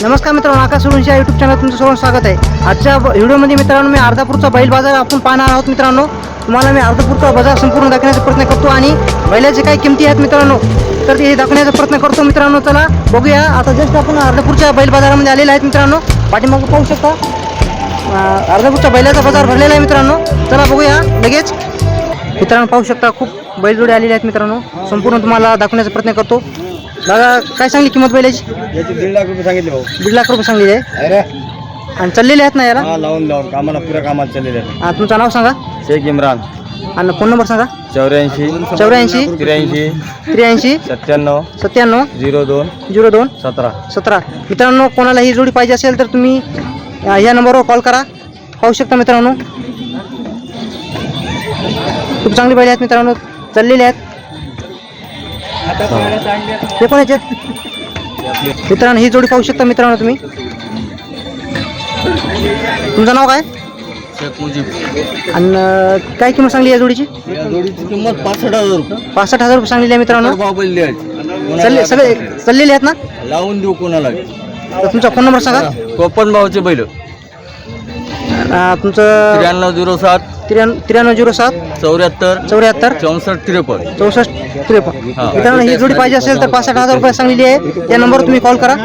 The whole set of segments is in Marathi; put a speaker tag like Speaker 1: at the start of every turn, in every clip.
Speaker 1: नमस्कार मित्रांनो, आकाश सोळुंशी यूट्यूब चॅनल तुमचं सर्वांचं स्वागत आहे। आजच्या व्हिडिओमध्ये मित्रांनो मी अर्धापूरचा बैल बाजार आपण पाहणार आहोत। मित्रांनो तुम्हाला मी अर्धापूरचा बाजार संपूर्ण दाखवण्याचा प्रयत्न करतो आणि बैलाचे काही किमती आहेत मित्रांनो तर ते दाखवण्याचा प्रयत्न करतो। मित्रांनो चला बघूया। आता जस्ट आपण अर्धापूरच्या बैल बाजारामध्ये आलेले आहेत मित्रांनो। पाठीमागे पाहू शकता अर्धापूरच्या बैलाचा बाजार भरलेला आहे मित्रांनो। चला बघूया लगेच। मित्रांनो पाहू शकता खूप बैलजोडी आलेले आहेत मित्रांनो। संपूर्ण तुम्हाला दाखवण्याचा प्रयत्न करतो। दादा काय सांगली किंमत बैलाची?
Speaker 2: याची 1.5 लाख रुपये सांगितले भाऊ।
Speaker 1: 1.5 लाख रुपये सांगलेले आहे
Speaker 2: अरे
Speaker 1: आणि चाललेले आहेत ना याला?
Speaker 2: हा लावून कामाला पुऱ्या कामात चाललेले आहेत।
Speaker 1: तुमचं नाव सांगा?
Speaker 2: शेख इम्रान।
Speaker 1: आणि फोन नंबर सांगा?
Speaker 2: 84
Speaker 1: 84
Speaker 2: 83
Speaker 1: 83
Speaker 2: 97
Speaker 1: 97
Speaker 2: 02
Speaker 1: 02
Speaker 2: 17
Speaker 1: 17। मित्रांनो कोणाला ही जोडी पाहिजे असेल तर तुम्ही या नंबरवर कॉल करा। पाहू शकता मित्रांनो खूप चांगली बैल आहेत मित्रांनो, चाललेले आहेत। हे कोणाचे मित्रांनो? ही जोडी पाहू शकता मित्रांनो तुम्ही। तुमचं नाव काय?
Speaker 2: शेख मुजीब।
Speaker 1: आणि काय किंमत सांगली या जोडीची?
Speaker 2: या जोडीची किंमत 65,000 रुपये।
Speaker 1: 65,000 रुपये सांगलेली आहे मित्रांनो।
Speaker 2: भाव बोलले आहेत
Speaker 1: सगळे चाललेले आहेत ना?
Speaker 2: लावून देऊ कोणाला।
Speaker 1: तर तुमचा फोन नंबर सांगा?
Speaker 2: कोपन भावचे बैल
Speaker 1: तुमचं
Speaker 2: 9307
Speaker 1: 9307
Speaker 2: 74
Speaker 1: 74
Speaker 2: 64 53
Speaker 1: 64 53। मित्रांनो ही जोडी पाहिजे असेल तर 65,000 रुपये सांगलेली आहे। त्या नंबरवर तुम्ही कॉल करा।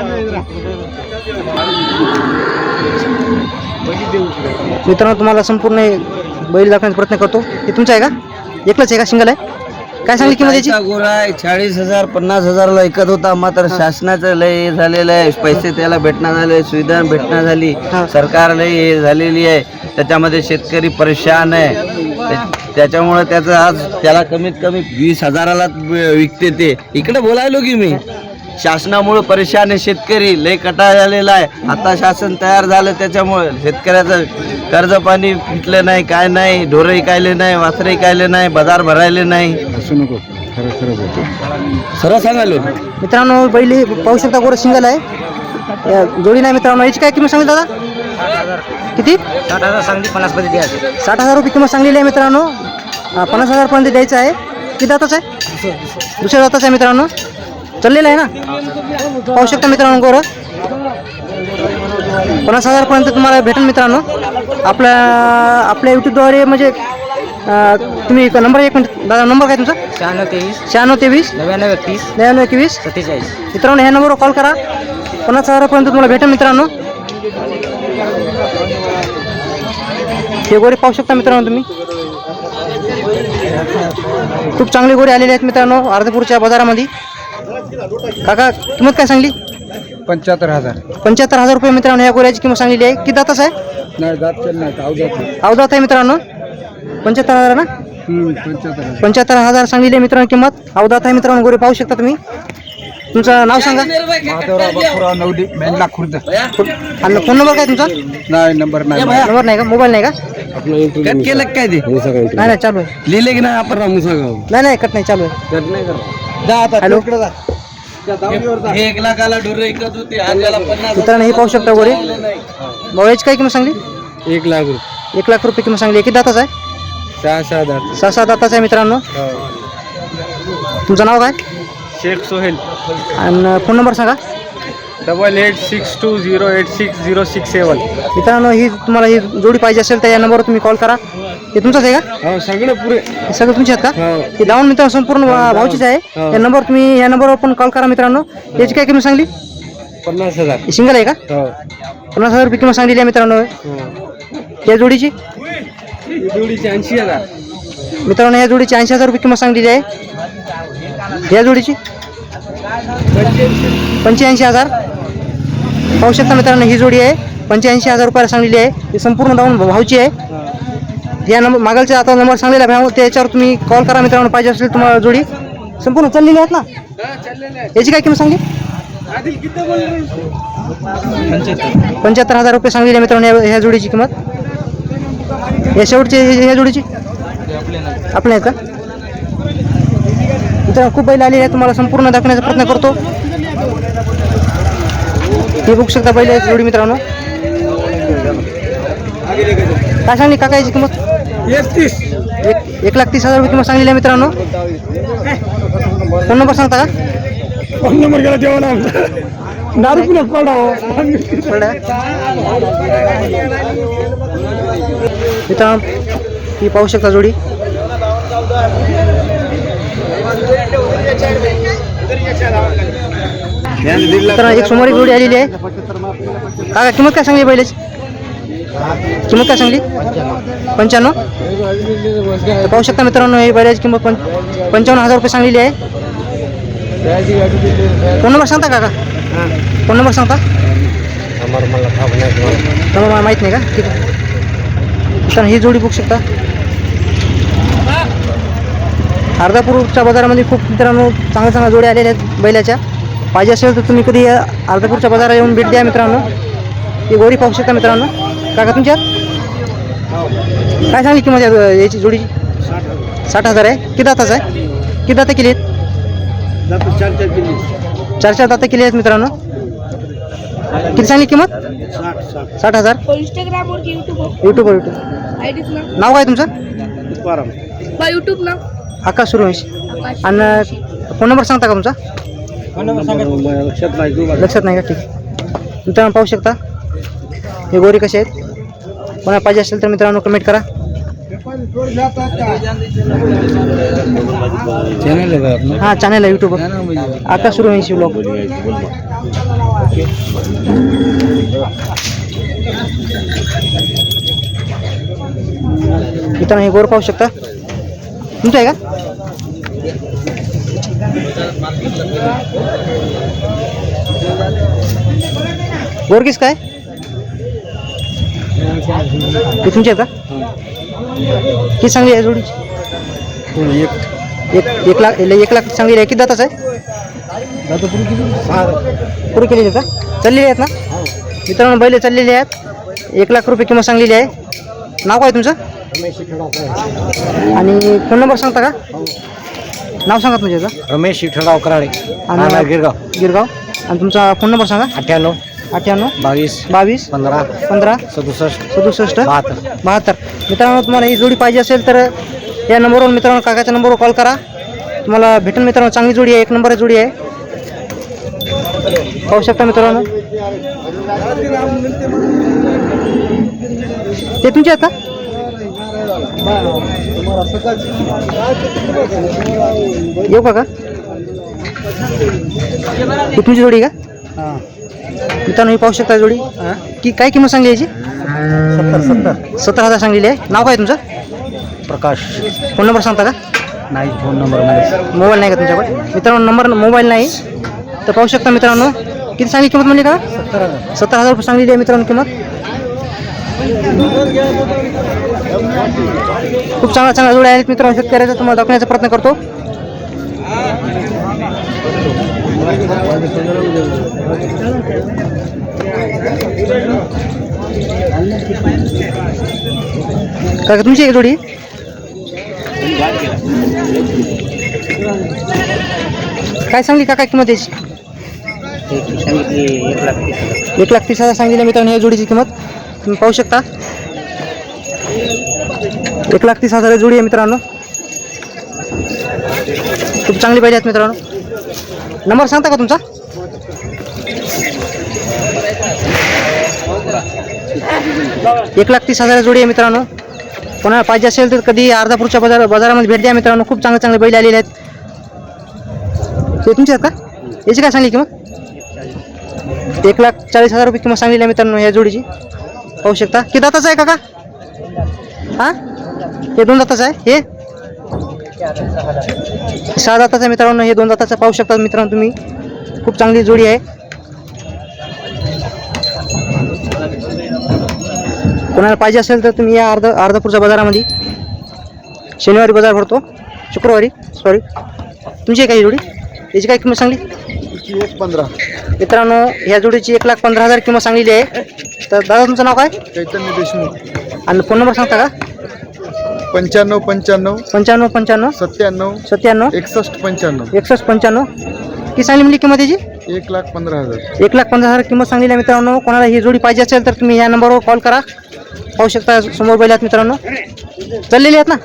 Speaker 1: मित्रांनो तुम्हाला संपूर्ण बैल दाखवण्याचा प्रयत्न करतो। हे तुमचं आहे का? एकलंच आहे का? सिंगल आहे? काय सांगली किंमत याची?
Speaker 2: गोरा 40,000 50,000ला ऐकत होता, मात्र शासनाचं लय झालेलं आहे। पैसे त्याला भेटणं झाले, सुविधा भेटणं झाली, सरकार लय हे झालेली आहे। त्याच्यामध्ये शेतकरी परेशान आहे। त्याच्यामुळे त्याचं आज त्याला कमीत कमी 20,000ला विकते ते। इकडे बोलायलो की मी शासनामुळे परेशान आहे शेतकरी, लय कटाळ झालेला आहे। आता शासन तयार झालं त्याच्यामुळे शेतकऱ्याचं कर्ज पाणी फिटलं नाही, काय नाही, ढोरही कायले नाही, वासरही कायले नाही, बाजार भरायले नाही। असू नको, खरं खरं बोलतो, सरळ सांगायलो।
Speaker 1: मित्रांनो बैल पाहू शकता गोरं सिंगल आहे, या जोडी नाही मित्रांनो। याची काय किंमत सांगितली दादा? किती?
Speaker 2: 60,000 सांगली, 50 मध्ये द्यायचं।
Speaker 1: 60,000 रुपये किंमत सांगलेली आहे मित्रांनो। 50,000 पर्यंत द्यायचं आहे। किती दाताचं आहे? दुसऱ्या दाताचं आहे मित्रांनो, चाललेलं आहे ना? पाहू शकता मित्रांनो गोरं 50,000 पर्यंत तुम्हाला भेटेल मित्रांनो। आपल्या यूट्यूबद्वारे म्हणजे तुम्ही नंबर, एक मिनिट दादा, नंबर काय तुमचा? 96 23 99 21 47। मित्रांनो ह्या नंबरवर कॉल करा। 50,000 पर्यंत तुम्हाला भेटेल मित्रांनो। हे गोरे पाहू शकता मित्रांनो तुम्ही। खूप चांगले गोरे आलेले आहेत मित्रांनो अर्धापूरच्या बाजारामध्ये। काका किंमत काय सांगली?
Speaker 2: 75,000।
Speaker 1: 75,000 रुपये मित्रांनो या गोऱ्याची किंमत सांगलेली आहे। किती दाताच आहे?
Speaker 2: नाही दात नाही,
Speaker 1: अवदात आहे मित्रांनो। 75,000 ना? 75,000 सांगलेली आहे मित्रांनो किंमत। अवदात आहे मित्रांनो गोरे पाहू शकता तुम्ही। तुमचं नाव सांगा?
Speaker 2: मेंढला खुर्द।
Speaker 1: आणि फोन नंबर काय तुमचा?
Speaker 2: नाही नंबर नाही,
Speaker 1: नंबर नाही का? मोबाईल नाही का?
Speaker 2: कट केलं काय ते?
Speaker 1: नाही नाही चालू आहे।
Speaker 2: लिहिले की नाही आपण मुसागाव?
Speaker 1: नाही कट नाही, चालू आहे।
Speaker 2: कट नाही कर। जा आता
Speaker 1: हॅलो
Speaker 2: 1 लाखाला ढोर ऐकत होते, आज त्याला 50,000।
Speaker 1: मित्रांनो हे पाहू शकता गोरे बावळ्याची काय किंमत सांगली?
Speaker 2: 1 लाख रुपये।
Speaker 1: 1 लाख रुपये किंमत सांगली। किती दाताच आहे?
Speaker 2: 6 दात।
Speaker 1: 6 दाताचा आहे मित्रांनो। तुमचं नाव काय?
Speaker 2: शेख सोहेल।
Speaker 1: आणि फोन नंबर सांगा?
Speaker 2: 8862086067।
Speaker 1: मित्रांनो ही तुम्हाला ही जोडी पाहिजे असेल तर या नंबरवर तुम्ही कॉल करा। हे तुमचंच आहे का?
Speaker 2: हो सगळं पुरे,
Speaker 1: हे सगळं तुमचे आहेत का? हे डाऊन मित्रांनो संपूर्ण भावचीच आहे। या नंबर तुम्ही या नंबरवर पण कॉल करा मित्रांनो। याची काय किंमत सांगली?
Speaker 2: 50,000।
Speaker 1: सिंगल आहे का? 50,000 रुपये किंमत सांगलेली आहे मित्रांनो या जोडीची।
Speaker 2: जोडीची 80,000
Speaker 1: मित्रांनो या जोडीची 80,000 रुपये किंमत सांगलेली आहे। या जोडीची 85,000 पाहू शकता मित्रांनो। ही जोडी आहे 85,000 रुपयाला सांगलेली आहे। ही संपूर्ण डाऊन भावची आहे। या नंबर मागलचा आता नंबर सांगलेला भाव त्याच्यावर तुम्ही कॉल करा मित्रांनो। पाहिजे असेल तुम्हाला जोडी संपूर्ण चाललेली आहेत ना? याची काय किंमत सांगली? 75,000 रुपये सांगलेली आहे मित्रांनो ह्या जोडीची किंमत। या शेवटची ह्या जोडीची आपले आहेत का? मित्रांनो खूप बैल आलेली आहे, तुम्हाला संपूर्ण दाखवण्याचा प्रयत्न करतो। हे बघू शकता बैल जोडी मित्रांनो। काय सांगली काका याची किंमत? 1,30,000 रुपये किंमत सांगलेली आहे मित्रांनो। फोन नंबर सांगता का?
Speaker 2: फोन नंबर गेला देवा ना
Speaker 1: मित्रांनो ही पाहू शकता जोडी. मित्रांनो एक समोर एक जोडी आलेली आहे. काका किंमत काय सांगली बैलाची? किंमत काय सांगली? 95. तर पाहू शकता मित्रांनो ही बैलाची किंमत 55,000 रुपये सांगलेली आहे. फोन नंबर सांगता काका? फोन नंबर सांगता? मला माहीत नाही का? ठीक आहे. मित्रांनो ही जोडी बघू शकता. अर्धापूरच्या बाजारामध्ये खूप मित्रांनो चांगल्या जोड्या आलेल्या आहेत बैलाच्या. पाहिजे असेल तर तुम्ही कधी अर्धापूरच्या बाजारात येऊन भेट द्या मित्रांनो. ही गोरी पाहू शकता मित्रांनो. काका तुमच्यात काय सांगली किंमत याची जोडीची? 60,000 आहे. किती दाताचं आहे? किती दाता केली आहेत? 4 दाता केली आहेत मित्रांनो. किती सांगली किंमत? 60,000.
Speaker 3: इंस्टाग्रामवर
Speaker 1: यूट्यूबवर नाव काय तुमचं?
Speaker 3: यूट्यूब नाव
Speaker 1: आकाश सूर्यवंशी. आणि फोन नंबर सांगता का तुमचा? लक्षात नाही का? ठीक आहे. मित्रांनो पाहू शकता हे गोरी कसे आहेत. कोणाला पाहिजे असेल तर मित्रांनो कमेंट करा. हां चॅनल आहे यूट्यूबवर आकाश सूर्यवंशी ब्लॉग. मित्रांनो हे गोर पाहू शकता. तुमचं आहे का? गोर किस काय ते तुमचे आहेत का? किती सांगली आहे जोडीची? 1 लाख 1 लाख सांगली आहे. किती दाताच आहे? पुरी केलेली आहे का? चाललेली आहेत ना मित्रांनो? बैल चाललेले आहेत. 1 लाख रुपये किंमत सांगलेली आहे. नाव काय तुमचं? आणि फोन नंबर सांगता का? नाव सांगा तुमचं.
Speaker 4: रमेश विठ्ठलराव कराळे,
Speaker 1: आणि
Speaker 4: गिरगाव.
Speaker 1: गिरगाव. आणि तुमचा फोन नंबर सांगा.
Speaker 4: 98
Speaker 1: 22
Speaker 4: 22 15
Speaker 1: 15
Speaker 4: 67
Speaker 1: 67
Speaker 4: 72.
Speaker 1: 72. मित्रांनो तुम्हाला ही जोडी पाहिजे असेल तर या नंबरवर मित्रांनो काकाच्या नंबरवर कॉल करा. तुम्हाला भेटेल मित्रांनो. चांगली जोडी आहे. 1 नंबर जोडी आहे. पाहू शकता मित्रांनो. ते तुमचे आहेत का? येऊ का? ही तुमची जोडी का? मित्रांनो ही पाहू शकता जोडी. की काय किंमत सांगली याची? 70,000 सांगलेली आहे. नाव काय तुमचं?
Speaker 4: प्रकाश.
Speaker 1: फोन नंबर सांगता का?
Speaker 4: नाही, फोन नंबर
Speaker 1: मोबाईल नाही का तुमच्याकडे? मित्रांनो नंबर मोबाईल नाही. तर पाहू शकता मित्रांनो. किती सांगली किंमत म्हणजे का? 70,000 रुपये सांगलेली आहे मित्रांनो किंमत. खूप चांगल्या जोड्या आहेत मित्रांनो. शेतकऱ्याचा तुम्हाला दाखवण्याचा प्रयत्न करतो. काय तुमची एक जोडी? काय सांगली काका किंमत याची? 1,30,000 सांगितली मित्रांनो या जोडीची किंमत. तुम्ही पाहू शकता 1,30,000 जोडी आहे मित्रांनो. खूप चांगली पाहिजे आहेत मित्रांनो. नंबर सांगता का तुमचा? 1,30,000 जोडी आहे मित्रांनो. कोणाला पाहिजे असेल तर कधी अर्धापूरच्या बाजारामध्ये भेट द्या मित्रांनो. खूप चांगले बैल आलेले आहेत. ते तुमचे आहेत का? याची काय सांगली किंमत? 1,40,000 रुपये किंमत सांगलेली आहे मित्रांनो या जोडीची. पाहू शकता. किती दाताचं आहे काका? हां हे 2 दाताचं आहे. हे 6 दाताचं आहे मित्रांनो. हे 2 दाताचं पाहू शकता मित्रांनो तुम्ही. खूप चांगली जोडी आहे. कोणाला पाहिजे असेल तर तुम्ही या अर्धापूरच्या बाजारामध्ये. शनिवारी बाजार भरतो, शुक्रवारी सॉरी. तुमची आहे का ही जोडी? याची काय किंमत सांगली?
Speaker 4: 15.
Speaker 1: मित्रांनो ह्या जोडीची 1,15,000 किंमत सांगलेली आहे. तर दादा तुमचं नाव काय?
Speaker 4: चैतन्य देशमुख.
Speaker 1: आणि फोन नंबर सांगता का?
Speaker 4: 95 95
Speaker 1: 95 95
Speaker 4: 97
Speaker 1: 97
Speaker 4: 61 95.
Speaker 1: 61 95. किती सांगली म्हणजे किंमत याची?
Speaker 4: 1,15,000.
Speaker 1: 1,15,000 किंमत सांगलेली आहे मित्रांनो. कोणाला ही जोडी पाहिजे असेल तर तुम्ही या नंबरवर कॉल करा. पाहू शकता समोर बैल आहेत मित्रांनो. चाललेली आहेत ना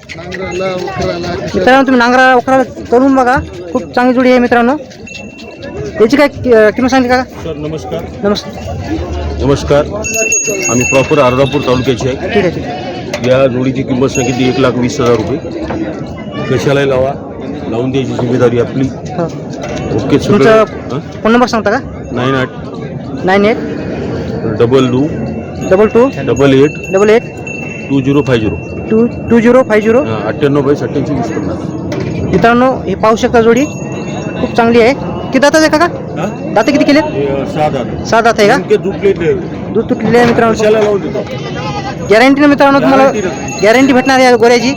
Speaker 1: मित्रांनो. तुम्ही नांगरा वखरा करून बघा. खूप चांगली जोडी आहे मित्रांनो. याची काय किंमत सांगली काका?
Speaker 5: सर नमस्कार.
Speaker 1: नमस्कार.
Speaker 5: नमस्कार. आम्ही प्रॉपर अर्धापूर तालुक्याचे आहे.
Speaker 1: ठीक आहे ठीक आहे.
Speaker 5: या जोडीची किंमत सांगितली 1,20,000 रुपये. कशालाही लावा, लावून द्यायची जिम्मेदारी आपली.
Speaker 1: हो.
Speaker 5: ओके.
Speaker 1: तुमचा फोन नंबर सांगता का?
Speaker 5: 98
Speaker 1: 98
Speaker 5: 22
Speaker 1: 22
Speaker 5: 88
Speaker 1: 88
Speaker 5: 2050
Speaker 1: 2050.
Speaker 5: 98/87
Speaker 1: मित्रांनो हे पाहू शकता जोडी खूप चांगली आहे. किती दातात आहे काका? दाते किती केले? 6 दात आहे का? दूध तुटलेले आहे मित्रांनो.
Speaker 5: कशाला लावून देतो?
Speaker 1: गॅरंटी ना मित्रांनो, तुम्हाला गॅरंटी भेटणार आहे गोऱ्याची.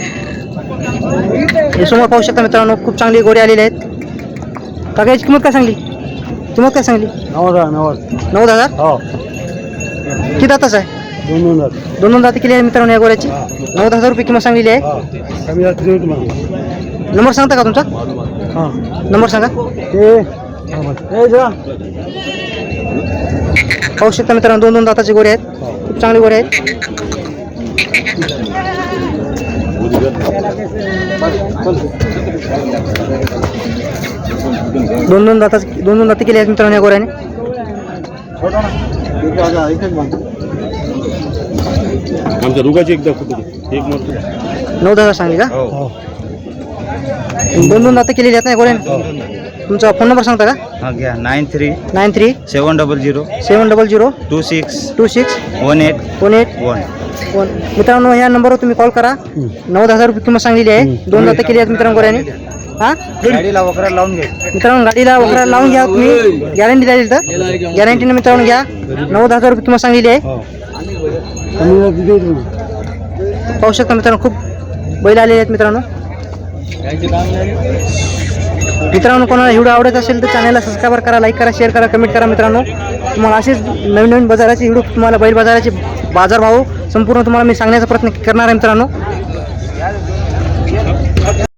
Speaker 1: हे समोर पाहू शकता मित्रांनो, खूप चांगली गोरे आलेले आहेत. काका याची किंमत काय सांगली? किंमत काय सांगली? 9,000.
Speaker 5: हो.
Speaker 1: किती दाताच आहे? दोन दाते केली आहे मित्रांनो या गोऱ्याची. 9,000 रुपये किंमत सांगलेली आहे. नंबर सांगता का तुमचा? नंबर सांगा. पाहू शकता मित्रांनो, 2 दाताचे गोरे आहेत. खूप चांगले गोरे आहेत. दोन दाते केले आहेत मित्रांनो या गोऱ्याने.
Speaker 5: आमच्या दोघांची एकदा कुठे एक मत
Speaker 1: 9,000 सांगली का?
Speaker 5: हो.
Speaker 1: 2 दाते केलेली आहेत ना गोऱ्याने. तुमचा फोन नंबर सांगता का?
Speaker 2: हा घ्या 93
Speaker 1: 93
Speaker 2: 700
Speaker 1: 700
Speaker 2: 26
Speaker 1: 26
Speaker 2: 18
Speaker 1: 18 मित्रांनो या नंबरवर तुम्ही कॉल करा. 9,000 रुपये किंमत सांगलेली आहे. 2 दाते केली आहेत मित्रांनो गोऱ्याने. हा
Speaker 2: गाडीला वगैरे लावून घ्या.
Speaker 1: मित्रांनो गाडीला वगैरे लावून घ्या तुम्ही. गॅरंटी द्यायची तर गॅरंटीने मित्रांनो घ्या. 9,000 रुपये किंमत सांगलेली आहे. पाहू शकता मित्रांनो, खूप बैल आलेले आहेत मित्रांनो. मित्रांनो कोणाला व्हिडिओ आवडत असेल तर चॅनलला सबस्क्राईब करा, लाईक करा, शेअर करा, कमेंट करा. मित्रांनो तुम्हाला असेच नवीन नवीन बाजाराचे व्हिडिओ, तुम्हाला बैल बाजाराचे बाजारभाव संपूर्ण तुम्हाला मी सांगण्याचा प्रयत्न करणार आहे मित्रांनो.